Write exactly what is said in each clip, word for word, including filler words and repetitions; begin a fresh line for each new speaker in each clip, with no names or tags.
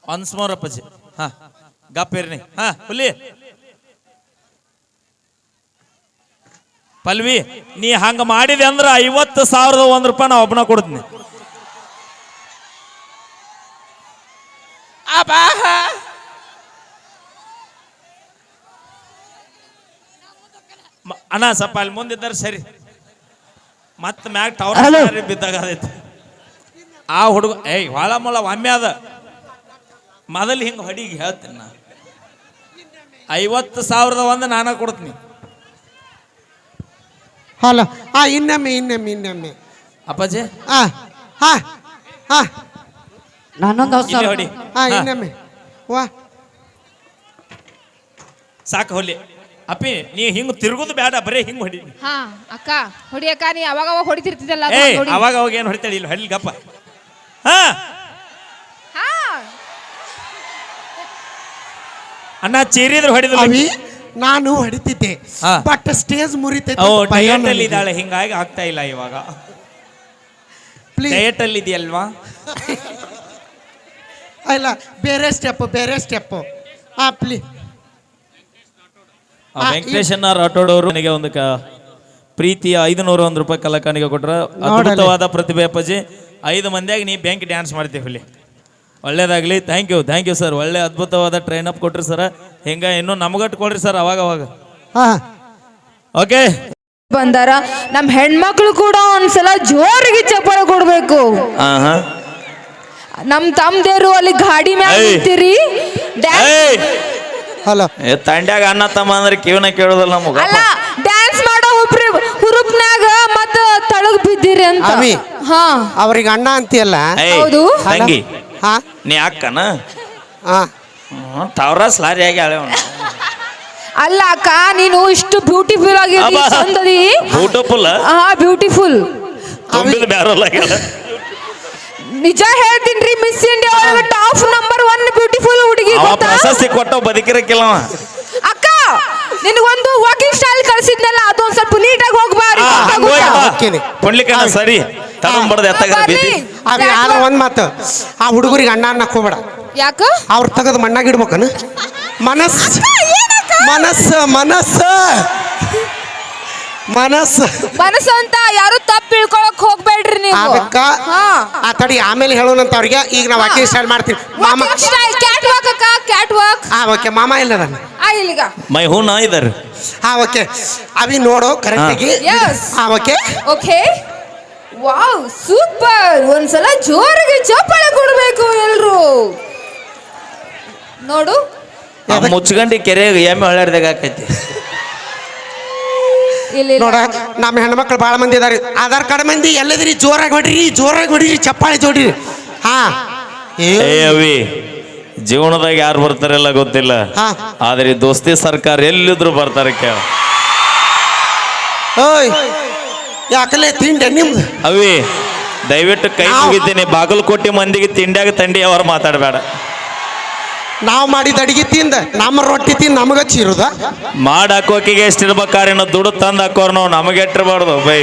Once more ಅಪ್ಪಾಜಿ. ಹಾ ಗಪ್ಪಿರ್ನಿ. ಹಾ ಹುಲಿ ಪಲ್ವಿ, ನೀ ಹಂಗ ಮಾಡಿದೆ ಅಂದ್ರ ಐವತ್ತು ಸಾವಿರದ ಒಂದ್ ರೂಪಾಯಿ ನಾ ಒಬ್ಬನ ಕೊಡ್ತೀನಿ. ಅಣ್ಣ ಸ್ವಲ್ಪ ಅಲ್ಲಿ ಮುಂದಿದ್ದಾರೆ ಸರಿ. ಮತ್ತ ಮ್ಯಾಗ ಟವರ್ ಬಿದ್ದಾಗ ಅದೈತಿ ಆ ಹುಡುಗ. ಏಯ್ ಹೊಳ ಮೊಳ ಒಮ್ಮೆ ಅದ ಮೊದಲು ಹಿಂಗ ಹೊಡಿಗೆ ಹೇಳ್ತೀನಿ ನಾ. ಐವತ್ತು ಸಾವಿರದ ಒಂದು ನಾನ ಕೊಡ್ತೀನಿ.
ಹಲೋ ಹಾ ಇನ್ನೊಮ್ಮೆ ಇನ್ನೊಮ್ಮೆ ಇನ್ನೊಮ್ಮೆ
ಅಪ್ಪಾಜಿ.
ಹಾ ಹಾ ಹಾ
ನಾನೊಂದು
ಹೊಡಿ.
ಹಾ ಇನ್ನೊಮ್ಮೆ ವಾ
ಸಾಕು ಹೊಲಿ. ಅಪ್ಪಿ ನೀ ಹಿಂಗ್ ತಿರುಗುದು ಬೇಡ, ಬರೀ ಹಿಂಗ್ ಹೊಡಿ.
ಹಾ ಅಕ್ಕ ಹೊಡಿ ಅಕ್ಕ, ನೀ ಅವಾಗ ಅವಾಗ ಹೊಡಿತಿರ್ತಿದ್ದಲ್ಲ.
ಏ ಅವಾಗ ಅವಾಗ ಏನ್ ಹೊಡಿತಾಳಿ ಇಲ್ಲಿ ಹೊಡಿ ಗಪ್ಪ. ಹಾ ಅಣ್ಣ ಚೀರಿದ್ರು ಹೊಡಿದ್ರು.
ಅವಿ ನಾನು ಹೊಡಿತಿದ್ದೆ ಬಟ್ ಸ್ಟೇಜ್ ಮುರಿತೈತೆ.
ಡಯಟ್ ಅಲ್ಲಿ ಇದ್ದಾಳೆ ಹಿಂಗಾಗಿ ಆಗ್ತಾ ಇಲ್ಲ ಇವಾಗ. ಡಯಟ್ ಅಲ್ಲಿ ಇದೆಯಲ್ವಾ?
ಇಲ್ಲ ಬೇರೆ ಸ್ಟೆಪ್ ಬೇರೆ ಸ್ಟೆಪ್. ಹಾ ಪ್ಲೀ
ವೆಂಕಟೇಶಣ್ಣ ರಾಠೋಡ್ ಅವರು ನನಗೆ ಒಂದು ಪ್ರೀತಿಯ ಐದುನೂರ ಒಂದು ರೂಪಾಯಿ ಕಲಾಕಾನಿಗೆ ಕೊಟ್ರ. ಅದ್ಭುತವಾದ ಪ್ರತಿಭೆ ಅಪ್ಪಾಜಿ. ಐದು ಮಂದಿಯಾಗಿ ನೀ ಬ್ಯಾಂಕ್ ಡ್ಯಾನ್ಸ್ ಮಾಡ್ತೀವಿ ಇಲ್ಲಿ. ಒಳ್ಳೇದಾಗ್ಲಿ. Thank you thank you sir. ಒಳ್ಳೆ ಅದ್ಭುತವಾದ ಟ್ರೈನ್ ಅಪ್ ಕೊಟ್ರಿ ಸರ್. ಹಿಂಗ ಇನ್ನು ನಮಗಟ್ಟು ಕೊಡ್ರಿ ಸರ್ ಅವಾಗ ಅವಾಗ. ಓಕೆ
ಬಂದಾರ ನಮ್ ಹೆಣ್ಮಕ್ಳು ಕೂಡ ಒಂದ್ಸಲ ಜೋರಿಗೆ ಚಪ್ಪಾಳೆ ಕೊಡ್ಬೇಕು. ನಮ್ ತಮ್ಮದೇರು ಅಲ್ಲಿ ಗಾಡಿ ಮ್ಯಾಗ ನಿಂತಿರಿ.
ಹಲೋ
ತಂಡ್ಯಾಗ ಅಣ್ಣ ತಮ್ಮ ಅಂದ್ರೆ ಕಿವನ ಕೇಳೋದಲ್ಲ ನಮಗ.
ಅಲ್ಲ ಡ್ಯಾನ್ಸ್ ಮಾಡೋ ಹುಬ್ರಿ ಹುರುಪ್ನ್ಯಾಗ ಮತ್ತ ತಳಗ್ ಬಿದ್ದಿರಿ ಅಂತ. ಹಾ
ಅವ್ರಿಗೆ ಅಣ್ಣ ಅಂತೀಯಲ್ಲ.
ಹೌದು
ತಂಗಿ.
ಹಾ
ನೀ ಅಕ್ಕನ
ಹಾ
ತಾವ್ರಾಸ್ ಲಾರಿ ಆಗಿ ಹಳೆ.
ಅಲ್ಲ ಅಕ್ಕ, ನೀನು ಇಷ್ಟು ಬ್ಯೂಟಿಫುಲ್ ಆಗಿರಿ, ಚಂದದಿ.
ಬ್ಯೂಟಿಫುಲ್.
ಹಾ ಬ್ಯೂಟಿಫುಲ್.
ತುಂಬಿದ ಬ್ಯಾರಲ್ಲ.
ನಿಜ ಹೇಳ್ತೀನ್ರಿ, ಮಿಸ್ ಇಂಡಿಯಾ ಒಳಗ ಟಾಪ್ ನಂಬರ್ ಒನ್ ಬ್ಯೂಟಿಫುಲ್ ಹುಡುಗಿ.
ಪ್ರಶಸ್ತಿ ಕೊಟ್ಟ ಬದುಕಿರಕ್ಕಿಲ್ಲ
ಅಕ್ಕ. ನಿನಗೊಂದು ವಾಕಿಂಗ್ ಸ್ಟೈಲ್ ಕಳಿಸಿದ್ನಲ್ಲ, ಅದೊಂದ್ ಸ್ವಲ್ಪ ನೀಟಾಗಿ ಹೋಗ್ಬಾರಿ.
ಕೊಡ್ಲಿಕ್ಕೆ ಸರಿ ತಗೊಂಡ್ಬಡ್ದು ಎತ್ತಾಗ
ಆದ್ರೆ ಒಂದ್ ಮಾತು, ಆ ಹುಡುಗರಿಗೆ ಅಣ್ಣ ಅನ್ನಕ್ ಹೋಗ್ಬೇಡ.
ಯಾಕ?
ಅವ್ರ ತಗದ್ ಮಣ್ಣಾಗ ಇಡ್ಬೇಕನ. ಮನಸ್ ಮನಸ್ಸ ಮನಸ್ಸ ಮನಸ್ಸು
ಮನಸ್ಸು ಅಂತ ಯಾರು ತಪ್ಪು ತಿಳ್ಕೊಳಕ್ ಹೋಗ್ಬೇಡ್ರಿ ನೀವು.
ಅದಕ್ಕ ಆ ತಡಿ ಆಮೇಲೆ ಹೇಳೋಣಂತ ಅವ್ರಿಗೆ. ಈಗ ನಾವು ವಾಕಿಂಗ್ ಸ್ಟೈಲ್ ಮಾಡ್ತೀವಿ. ಮಾಮ
ಕ್ಯಾಟ್ ವಾಕ್ ಅಕ್ಕ, ಕ್ಯಾಟ್ ವಾಕ್.
ಹಾ ಓಕೆ ಮಾಮ ಇಲ್ಲ ನಾನು.
ಆ ಇಲ್ಲಿಗ
ಮೈ ಹೂ ನಾ ಇದಾರೆ.
ಹಾ ಓಕೆ ಅವಿ ನೋಡು ಕರೆಕ್ಟ್ ಆಗಿ. ಹಾ ಓಕೆ
ಓಕೆ. Wow super. ಒಂದ್ಸಲ ಜೋರಿಗೆ ಚಪ್ಪಾಳೆ ಕೊಡ್ಬೇಕು ಎಲ್ರು. ನೋಡು
ಮುಚ್ಕಂಡಿ ಕೆರೆಗೆ ಎಮ್ಮೆ ಹೊಳ್ಯಾಡ್ದಾಗ ಆಕೈತಿ.
ನೋಡ ನಮ್ಮ ಹೆಣ್ಮಕ್ಳು ಭಾಳ ಮಂದಿ ಇದಾರೆ. ಆಧಾರ್ ಕಾರ್ಡ್ ಮಂದಿ ಎಲ್ಲದಿರಿ ಜೋರಾಗಿ ಹೊಡ್ರಿ, ಜೋರಾಗಿ ಹೊಡಿರಿ, ಚಪ್ಪಾಳೆ ಜೋಡ್ರಿ. ಹಾ
ಏ ಅವಿ, ಜೀವನದಾಗ ಯಾರು ಬರ್ತಾರೆಲ್ಲ ಗೊತ್ತಿಲ್ಲ, ಆದ್ರೆ ದೋಸ್ತಿ ಸರ್ಕಾರ ಎಲ್ಲಿದ್ರು ಬರ್ತಾರೆ ಕೇಳ.
ಓಯ್ ಯಾಕಲೆ ತಿಂಡೆ ನಿಮ್ದು?
ಅವಿ ದಯವಿಟ್ಟು ಕೈ ಮುಗಿತೀನಿ, ಬಾಗಲಕೋಟೆ ಮಂದಿಗೆ ತಿಂಡ್ಯಾಗ ತಂಡಿ ಅವ್ರು ಮಾತಾಡಬೇಡ.
ನಾವು ಮಾಡಿದ ಅಡಿಗೆ ತಿಂದ ನಮ್ಮ ರೊಟ್ಟಿ ತಿಂದು ನಮಗ ಚೀರುದ.
ಮಾಡ ಹಾಕೋಕಿಗೆ ಎಷ್ಟಿರ್ಬೇಕಾರೇನೋ ದುಡ್ಡು ತಂದು ಹಾಕೋರ್ ನಾವು ನಮಗೆ ಇಟ್ಟಿರಬಾರ್ದು ಬೈ.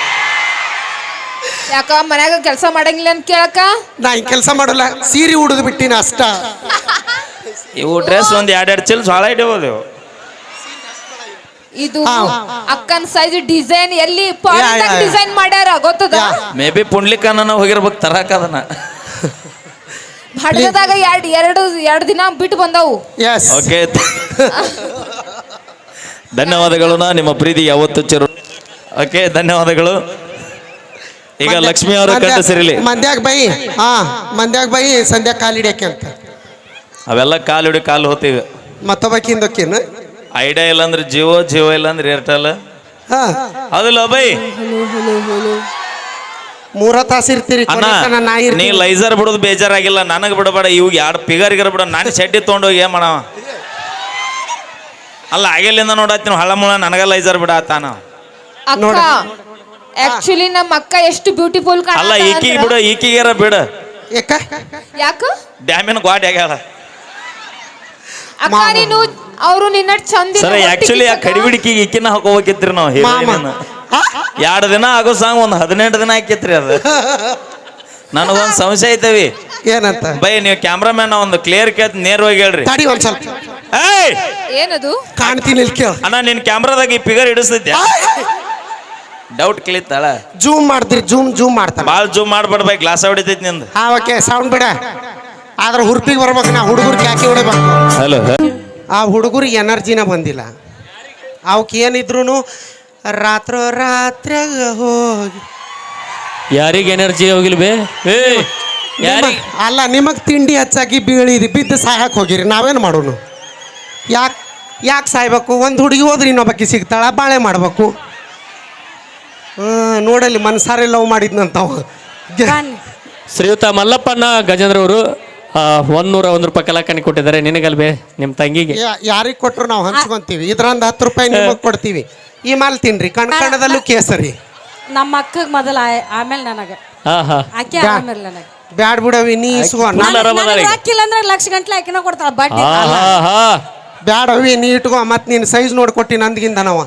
ಯಾಕ ಮನ್ಯಾಗ ಕೆಲಸ ಮಾಡಂಗಿಲ್ಲ ಅಂತ ಕೇಳಕ?
ನಾ ಹಿಂಗೆ ಕೆಲಸ ಮಾಡಲ್ಲ, ಸೀರೆ ಉಡಿದು ಬಿಟ್ಟಿನ ಅಷ್ಟ.
ಇವು ಡ್ರೆಸ್ ಒಂದ್ ಎರಡೆರಡು ಚಿಲ್ ಸಾಳ ಇಡಬಹುದು.
ಇದು ಅಕ್ಕನ ಸೈಜ್ ಡಿಸೈನ್ ಎಲ್ಲಿ ಡಿಸೈನ್ ಮಾಡ್ಯಾರ ಗೊತ್ತದ?
ಮೇ ಬಿ ಪುಂಡ್ಲಿಕನ್ನ ಹೋಗಿರ್ಬೇಕು ತರಾಕ ಅದನ್ನ.
ಹಡಗದಾಗ ಎರಡು ಎರಡು ಎರಡು ದಿನ ಬಿಟ್ಟು ಬಂದವು.
ಓಕೆ ಧನ್ಯವಾದಗಳು. ನಾ ನಿಮ್ಮ ಪ್ರೀತಿ ಯಾವತ್ತು ಚಿರು. ಓಕೆ ಧನ್ಯವಾದಗಳು. ಈಗ ಲಕ್ಷ್ಮಿ ಅವರು ಕಂಡು ಸಿರಿಲಿ.
ಮಂದ್ಯಾಗ ಬೈ. ಹಾ ಮಂದ್ಯಾಗ ಬೈ ಸಂಧ್ಯಾ ಕಾಲಿಡ್ಯಾಕೆ ಅಂತ
ಅವೆಲ್ಲ ಕಾಲು ಹಿಡಿ ಕಾಲು ಹೋತೀವಿ.
ಮತ್ತೊಬ್ಬಕಿಂದಕ್ಕೇನು
ಐಡಿಯಾ ಇಲ್ಲ ಅಂದ್ರೆ ಜಿಯೋ, ಜಿಯೋ ಇಲ್ಲ ಅಂದ್ರೆ ಏರ್ಟೆಲ್.
ಹಾ
ಅದಲ್ಲ ಬೈ.
ಮೂರ ತಾಸ ಇರ್ತೀರಿ.
ನೀ ಲೈಸರ್ ಬಿಡೋದು ಬೇಜಾರಾಗಿಲ್ಲ, ನನಗ್ ಬಿಡಬೇಡ. ಇವಾಗ ಎರಡು ಪಿಗರ್ಗಿರ ಬಿಡ. ನಾನು ಶೆಡ್ಡಿ ತೊಗೊಂಡೋಗಿ ಏನ್ ಮಾಡವ. ಅಲ್ಲ ಆಗಿಲ್ಲಿಂದ ನೋಡತ್ತೀನಿ ಹಳ ಮುಳ ನನಗ ಲೈಸರ್ ಬಿಡ ಆತಾನ.
ಅಕ್ಕ ಆಕ್ಚುಲಿ ನಮ್ಮ ಅಕ್ಕ ಎಷ್ಟು ಬ್ಯೂಟಿಫುಲ್ ಕಾಣ.
ಅಲ್ಲ ಈಕಿಗೆ ಬಿಡು, ಈಕಿಗೆರ ಬಿಡು.
ಯಾಕ?
ಡ್ಯಾಮಿನ ಗಾಡಿ ಆಗ್ಯಾಳ.
ಅಕ್ಕ ನೀನು ಅವರು ನಿನ್ನ ಚಂದ.
ಸರ್ ಆಕ್ಚುಲಿ ಆ ಕಡಿಬಿಡಿಕಿಗೆ ಈಕಿನ ಹಾಕೋಬೇಕಿತ್ರಿ ನಾವು. ಹೀರೋಯಿನ್ ಎರಡು ದಿನ ಆಗೋ ಸಾಂಗ್ ಒಂದು ಹದಿನೆಂಟು ದಿನ ಹಾಕಿತ್ರಿ ಅದು. ನನಗೊಂದು ಸಂಶಯ ಐತವಿ.
ಏನಂತ
ಬೈ ನೀವು ಕ್ಯಾಮ್ರಾಮ್ಯಾನ್ ಒಂದು ಕ್ಲಿಯರ್ ಕೇತ್ ನೇರವಾಗಿ ಹೇಳ್ರಿ.
ತಡಿ ಒಂದ್ ಸ್ವಲ್ಪ
ಏಯ್
ಏನದು
ಕಾಣ್ತೀನಿ ಇಲ್ಲಿ ಕೇಳ.
ಅಣ್ಣ ನಿನ್ ಕ್ಯಾಮ್ರಾದಾಗ ಈ ಫಿಗರ್ ಹಿಡಿಸ್ತೈತಿ ಡೌಟ್ ಕ್ಲಿತ್ತಾಳ.
ಜೂಮ್ ಮಾಡ್ತೀರಿ ಜೂಮ್ ಜೂಮ್ ಮಾಡ್ತಾನ.
ಭಾಳ ಜೂಮ್ ಮಾಡ್ಬಿಡ್ಬೇಕು ಗ್ಲಾಸ್ ಹೊಡಿತೈತಿ ನಿಂದು.
ಹಾ ಓಕೆ ಸೌಂಡ್ ಬಿಡ. ಆದ್ರೆ ಹುರ್ಪಿಗೆ ಬರ್ಬೇಕು ನಾ ಹುಡುಗರು ಕ್ಯಾಕಿ ಹೊಡಿಬೇಕು.
ಹಲೋ
ಆ ಹುಡುಗರಿಗೆ ಎನರ್ಜಿನ ಬಂದಿಲ್ಲ. ಅವಕ್ಕೆ ಏನಿದ್ರು ರಾತ್ರೋ ರಾತ್ರಿಯಾಗ ಹೋಗಿ
ಯಾರಿಗೆ ಎನರ್ಜಿ ಹೋಗಿಲ್ ಬೇ ಏ ಯಾರಿಗೆ
ಅಲ್ಲ ನಿಮಗೆ ತಿಂಡಿ ಹೆಚ್ಚಾಗಿ ಬೀಳಿರಿ ಬಿದ್ದು ಸಾಯಕ್ಕೆ ಹೋಗಿರಿ ನಾವೇನು ಮಾಡೋನು? ಯಾಕೆ ಯಾಕೆ ಸಾಯ್ಬೇಕು? ಒಂದು ಹುಡುಗಿ ಹೋದ್ರೆ ಇನ್ನೊಬ್ಬಕ್ಕೆ ಸಿಗ್ತಾಳ ಬಾಳೆ ಮಾಡ್ಬೇಕು. ಹಾಂ ನೋಡಲ್ಲಿ ಮನ್ಸಾರೆ ಲವ್ ಮಾಡಿದ್ನಂತವ.
ಶ್ರೀಯುತ ಮಲ್ಲಪ್ಪನ ಗಜೇಂದ್ರ ಅವರು ಒಂದೂರ ಒಂದು ರೂಪಾಯಿ ಕಲಾಕಣಿ ಕೊಟ್ಟಿದ್ದಾರೆ ನಿನಗಲ್ ಬೇ ನಿಮ್ಮ ತಂಗಿಗೆ.
ಯಾರಿಗೆ ಕೊಟ್ಟರು ನಾವು ಹಂಚ್ಕೊಂತೀವಿ. ಇದ್ರಂದ ಹತ್ತು ರೂಪಾಯಿ ನಿಮಗೆ ಕೊಡ್ತೀವಿ. ಈ ಮಾಲ್ ತಿನ್ರಿ ಕಣ್ ಕಣದಲ್ಲೂ ಕೇಸರಿ.
ನಮ್ಮ ಅಕ್ಕಗ್ ಮೊದಲ ಆಮೇಲೆ ನನಗೆ
ಹಾ ಹಾ
ಆಕೆ ಆಮೇಲೆ ನನಗೆ
ಬ್ಯಾಡ್ ಬಿಡವಿ ನೀ ಇಸ್ಕೊ.
ಹಾಕಿಲ್ಲ ಅಂದ್ರೆ ಲಕ್ಷ ಗಂಟ್ಲೆ ಆಕಿನ ಕೊಡ್ತಾಳ ಬಡ್ಡಿ.
ಹಾ ಹಾ ಹಾ
ಬ್ಯಾಡವಿ ನೀ ಇಟ್ಕೋ. ಮತ್ತೆ ನೀನು ಸೈಜ್ ನೋಡ್ಕೊಟ್ಟಿ ನಂದ್ಗಿಂದ ನಾವ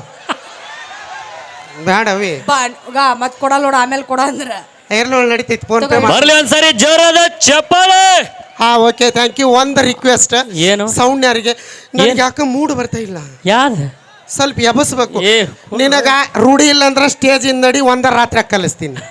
ಬ್ಯಾಡವಿ
ಮತ್ ಕೊಡಲ್ಲ ನೋಡ ಆಮೇಲೆ ಕೊಡ ಅಂದ್ರ
ಏರ್ಲೋಳ್ ನಡೀತೈತಿ ಫೋನ್ ಪೇ.
ಬರ್ಲಿ ಒಂದ್ಸರಿ ಜೋರಾದ ಚಪ್ಪಾಳೆ.
ಹಾ ಓಕೆ ಥ್ಯಾಂಕ್ ಯು. ಒಂದು ರಿಕ್ವೆಸ್ಟ್.
ಏನು
ಸೌಂಡ್ ಯಾರಿಗೆ? ನನಗೆ ಯಾಕೆ ಮೂಡ್ ಬರ್ತಾ ಇಲ್ಲ.
ಯಾರು
ಸ್ವಲ್ಪ ಎಬಸ್ಬೇಕು.
ಏ
ನಿನಗ ರೂಢಿ ಇಲ್ಲ ಅಂದ್ರೆ ಸ್ಟೇಜ್ ನಡಿ ಒಂದ ರಾತ್ರಿ ಕಲಿಸ್ತೀನಿ.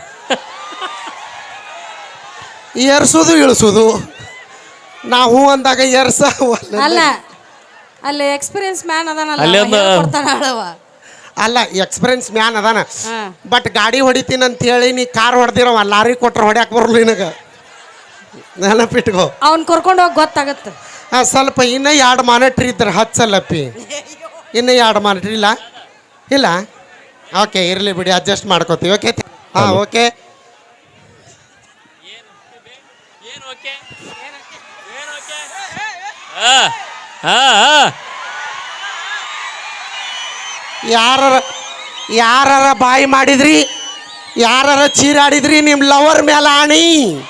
ಏರ್ಸೋದು ಇಳಿಸೋದು ನಾವು ಅಂದಾಗ ಏರ್ಸ
ಅಲ್ಲ ಅಲ್ಲಿ ಎಕ್ಸ್ಪೀರಿಯನ್ಸ್ ಮ್ಯಾನ್ ಅದಾನಲ್ಲ
ಅಲ್ಲಿ ಒಂದು-
ಅವ ಹೇಳ್ಕೊಡ್ತಾನ ಆಳವ.
ಅಲ್ಲ ಎಕ್ಸ್ಪೀರಿಯನ್ಸ್ ಮ್ಯಾನ್ ಅದಾನ.
ಹಾ.
ಬಟ್ ಗಾಡಿ ಹೊಡಿತೀನಿ ಅಂತ ಹೇಳಿ ನೀ ಕಾರ್ ಹೊಡೆದಿರವ ಲಾರಿ ಕೊಟ್ರೆ ಹೊಡ್ಯಾಕ್ ಬರಲ್ಲ ನಿನಗ. ನೆನಪಿಟ್ಕೋ.
ಅವ್ನ್ ಕರ್ಕೊಂಡು ಹೋಗಿ ಗೊತ್ತಾಗತ್ತ.
ಹಾಂ ಸ್ವಲ್ಪ ಇನ್ನೂ ಎರಡು ಮಾನಿಟ್ರಿ ಇದ್ರೆ ಹಚ್ಚಲ್ಲಪ್ಪಿ. ಇನ್ನೂ ಎರಡು ಮಾನಿಟ್ರಿ ಇಲ್ಲ ಇಲ್ಲ ಓಕೆ ಇರಲಿ ಬಿಡಿ ಅಡ್ಜಸ್ಟ್ ಮಾಡ್ಕೋತೀವಿ. ಓಕೆ ಹಾಂ ಓಕೆ. ಯಾರ ಯಾರ ಬಾಯಿ ಮಾಡಿದ್ರಿ ಯಾರ ಚೀರಾಡಿದ್ರಿ ನಿಮ್ಮ ಲವರ್ ಮೇಲೆ ಆಣಿ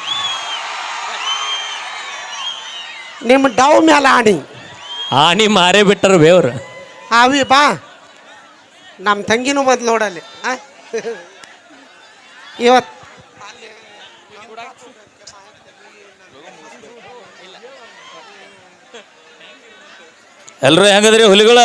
ನಿಮ್ಮ ಡವ್ ಮೇಲೆ ಆಣಿ
ಆಣಿ ಮಾರೇ ಬಿಟ್ಟರು ಬೇವ್ರು.
ಅವಿ ಬಾ ನಮ್ಮ ತಂಗಿನೂ ಮೊದ್ಲು ನೋಡಲ್ಲಿ ಇವತ್ತು
ಎಲ್ರು ಹೆಂಗದ್ರಿ ಹುಲಿಗಳ?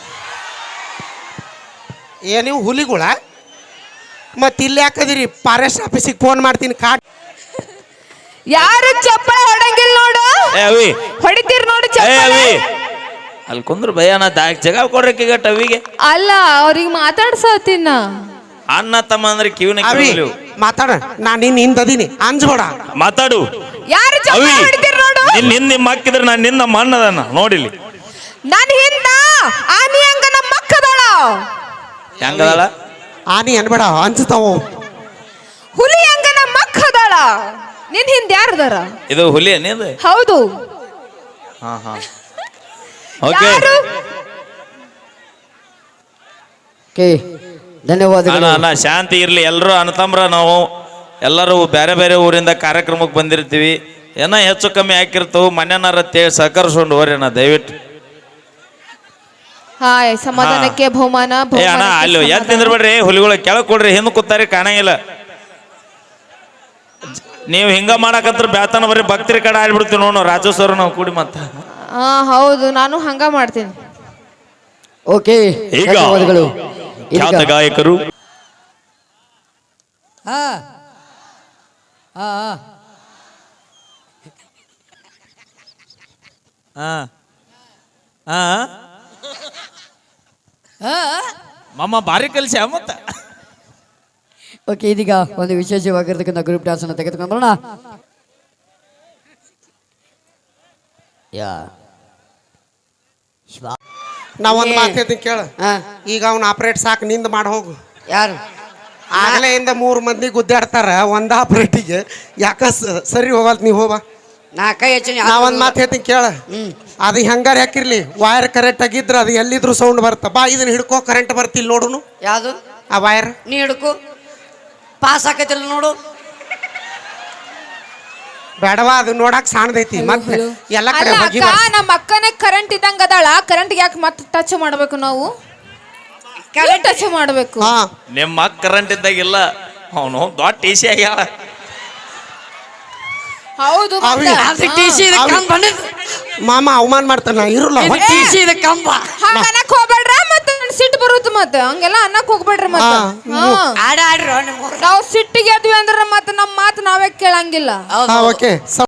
ಏ ನೀವು ಹುಲಿಗಳ ಮತ್ತೆ ಇಲ್ಲಿ ಯಾಕದಿರಿ? ಫಾರೆಸ್ಟ್ ಆಫೀಸಿಗೆ ಫೋನ್ ಮಾಡ್ತೀನಿ ಕಾಟ್.
ಯಾರು ಚಪ್ಪಳ ಹೊಡಂಗಿಲ್ಲ ನೋಡು.
ಏ ಅವಿ
ಹೊಡಿತೀರ್ ನೋಡು
ಏ
ಚಪ್ಪಳ.
ಅವಿ ಅಲ್ಲಿ ಕುಂದ್ರ ಭಯನ ದಾಕ್ ಜಗ ಕೊಡ್ರಕ್ಕೀಗ ಟವಿಗೆ.
ಅಲ್ಲ ಅವ್ರಿಗೆ ಮಾತಾಡ್ಸತ್ತಿನ
ಅಣ್ಣ ತಮ್ಮ ಅಂದ್ರೆ ಕಿವಿನ
ಅವಿ
ಕೇಳಲಿ.
ಮಾತಾಡ ನಾನು ನಿನ್ನ ಹಿಂದದೀನಿ ಅಂಜ್ಬೇಡ.
ಮಾತಾಡು
ಯಾರು
ಅವಿ.
ಚಪ್ಪಳ ಹೊಡಿತೀರ್ ನೋಡು.
ನಿನ್ ಹಿಂದ್ ನಿಮ್ಮ ಹಾಕಿದ್ರೆ ನಾನು ನಿನ್ನ ನಮ್ಮ ಅಣ್ಣದನ್ನ ನೋಡಿಲಿ.
ನನ್ ಹಿಂದ ಆನಿ ಹಂಗ ನಮ್ಮ ಮಕ್ಕದಳ
ಹೆಂಗದಳ?
ಆನಿ ಅನ್ಬೇಡ ಅಂಜ್ತಾವ.
ಹುಲಿ ಹಂಗ ನಮ್ಮ ಮಕ್ಕದಳ. ನಿನ್ ಹಿಂದ ಯಾರದಾರ?
ಇದು ಹುಲಿ ಏನಿದು?
ಹೌದು.
ಹಾ ಹಾ ಓಕೆ
ಯಾರು?
ಧನ್ಯವಾದಗಳು.
ಅಣ್ಣ ಅಣ್ಣ ಶಾಂತಿ ಇರ್ಲಿ. ಎಲ್ಲರೂ ಅಣ್ಣತಮ್ರ ನಾವು ಎಲ್ಲರೂ ಬೇರೆ ಬೇರೆ ಊರಿಂದ ಕಾರ್ಯಕ್ರಮಕ್ಕೆ ಬಂದಿರ್ತೀವಿ. ಏನೋ ಹೆಚ್ಚು ಕಮ್ಮಿ ಹಾಕಿರ್ತವು ಮನೆಯನ್ನಾರ ತೇ ಸಹಕರಿಸ್ಕೊಂಡು ಹೋರೇನ ದಯವಿಟ್ಟು.
ಹಾಯ್ ಸಮಾಧಾನಕ್ಕೆ ಬಹುಮಾನ.
ಏ ಅಣ್ಣ ಅಲ್ಲಿ ಎದ್ ನಿಂದ್ರಬೇಡ್ರಿ. ಹುಲಿಗಳು ಕೆಳಗೆ ಕೊಡ್ರಿ. ಹಿಂದೆ ಕೂತಾರಿ ಕಾಣಂಗಿಲ್ಲ. ನೀವು ಹಿಂಗ ಮಾಡಕತ್ರ ಬ್ಯಾತನ ಬರ್ರಿ ಭಕ್ತರಿ ಕಡೆ ಆಡ್ಬಿಡ್ತೀವಿ ನೋಡು ರಾಜೇಶ್ವರ ನಾವು ಕೂಡಿ ಮತ್ತ.
ಹಾ ಹೌದು ನಾನು ಹಂಗ ಮಾಡ್ತೀನಿ.
ಓಕೆ
ಈಗ
ಧನ್ಯವಾದಗಳು.
ಖ್ಯಾತ ಗಾಯಕರು
ಹಾ ಹಾ
ಮಮ್ಮ ಬಾರಿ ಕಲಿಸಿ ಮತ್ತ.
ಓಕೆ ಇದೀಗ ಒಂದು ವಿಶೇಷವಾಗಿರ್ತಕ್ಕಂಥ ಗ್ರೂಪ್ ಡ್ಯಾನ್ಸ್ ಅನ್ನು ತೆಗೆದುಕೊಂಡು ಬರೋಣ. ಯಾ
ನಾ ಒಂದು ಮಾತು ಹೇಳ್ತೀನಿ ಕೇಳ.
ಹಾ
ಈಗ ಅವ್ನ ಆಪರೇಟ್ ಸಾಕು ನಿಂದ ಮಾಡಿ ಹೋಗು.
ಯಾರು
ಆಗಲೇ ಇಂದ ಮೂರು ಮಂದಿ ಗುದ್ದಾಡ್ತಾರ ಒಂದು ಆಪರೇಟಿಗೆ. ಯಾಕ ಸ- ಸರಿ ಹೋಗಲ್ ನೀವು ಹೋಗ.
ನಾ ಕೈ ಹೆಚ್ಚಿನ
ನಾ ಒಂದು ಮಾತು ಹೇಳ್ತೀನಿ ಕೇಳ.
ಹ್ಮ್
ಅದು ಹೆಂಗಾರ ಹಾಕಿರ್ಲಿ ವೈರ್ ಕರೆಕ್ಟ್ ಆಗಿದ್ರೆ ಅದು ಎಲ್ಲಿದ್ರು ಸೌಂಡ್ ಬರುತ್ತೆ. ಬಾ ಇದನ್ನ ಹಿಡ್ಕೋ ಕರೆಂಟ್ ಬರ್ತಿಲ್ಲ ನೋಡುನು
ಯಾವುದು
ಆ ವೈರ್.
ನೀ ಹಿಡ್ಕು ಪಾಸ್ ಆಕೈತಿಲ್ಲ ನೋಡು.
ಬೇಡವಾ ಅದು ನೋಡಕ್ ಸಾಣದೈತಿ ಮತ್ತೆ ಎಲ್ಲ ಕಡೆ
ಅಲ್ಲ
ಹೋಗಿ
ಅಕ್ಕ ನಮ್ಮ ಅಕ್ಕನೇ ಕರೆಂಟ್ ಇದ್ದಂಗ ಅದಾಳ. ಕರೆಂಟ್ ಯಾಕೆ ಮತ್ತೆ ಟಚ್ ಮಾಡ್ಬೇಕು ನಾವು? ಟಚ್ ಮಾಡ್ಬೇಕು.
ಹಾ
ನಿಮ್ಮ ಕರೆಂಟ್ ಇದ್ದಾಗಿಲ್ಲ ಅವನು ದೊಡ್ಡ ಟಿ ಸಿ ಆಗ್ಯಾಳ.
ಹೌದು
ಅವಿ.
ಮತ್ತೆ.
ಅದು ಟಿ ಸಿ ಇದು ಕಂಬ
ಮಾಮ ಅವಮಾನ ಮಾಡ್ತಾನ ಇರಲ್ಲ
ಟಿ ಸಿ ಇದು ಕಂಬ
ಹಾಗ ಅನ್ನಕ್ ಹೋಗ್ಬೇಡ್ರ ಮತ್ತೆ ನನ್ ಸಿಟ್ಟು ಬರುತ್ತೆ ಮತ್ತೆ ಹಂಗೆಲ್ಲ ಅನ್ನಕ್ ಹೋಗ್ಬೇಡ್ರಿ ಮತ್ತೆ
ಹಾ.
ಹಾ.
ಆಡ ಆಡ್ರಿ
ನಾವು ಸಿಟ್ಟಿಗೆ ಎದ್ವಿ ಅಂದ್ರೆ ಮತ್ತೆ ನಮ್ಮ ಮಾತು ನಾವೇ ಕೇಳಂಗಿಲ್ಲ
ಓಕೆ